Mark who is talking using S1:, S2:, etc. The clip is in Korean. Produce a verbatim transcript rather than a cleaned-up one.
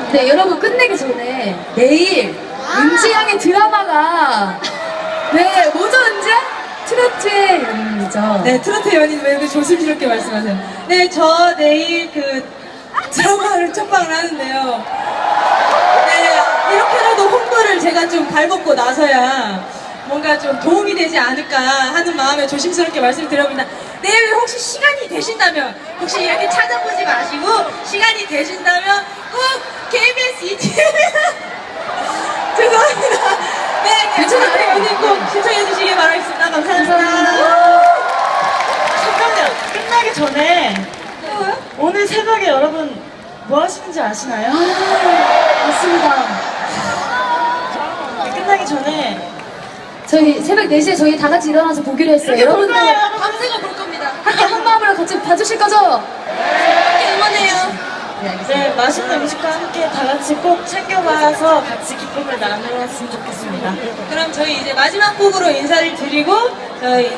S1: 네, 여러분 끝내기 전에 내일 은지 양의 드라마가 네, 뭐죠 은지 양? 트로트의 연인이죠.
S2: 네, 트로트 연인 왜 이렇게 조심스럽게 말씀하세요? 네, 저 내일 그 드라마를 첫 방을 하는데요. 네, 이렇게라도 홍보를 제가 좀 발벗고 나서야 뭔가 좀 도움이 되지 않을까 하는 마음에 조심스럽게 말씀드려봅니다. 내일 혹시 시간이 되신다면, 혹시 이렇게 찾아보지 마시고 시간이 되신다면 꼭 케이비에스 이티비 죄송합니다. 네, 트로트 연인 꼭 신청해 주시기 바라겠습니다. 감사합니다.
S3: 잠깐만요. 끝나기 전에 오늘 새벽에 여러분 뭐 하시는지 아시나요?
S1: 맞습니다.
S3: 네, 끝나기 전에
S1: 저희 새벽 네 시에 저희 다 같이 일어나서 보기로 했어요.
S3: 이렇게 볼
S1: 여러분들
S3: 거예요, 여러분.
S2: 밤새고 볼 겁니다.
S1: 함께 한 마음으로 같이 봐주실 거죠?
S2: 함께 응원해요.
S3: 네, 맛있는 음식과 함께 다 같이 꼭 챙겨봐서 같이 기쁨을 나누었으면 좋겠습니다.
S2: 그럼 저희 이제 마지막 곡으로 인사를 드리고 저희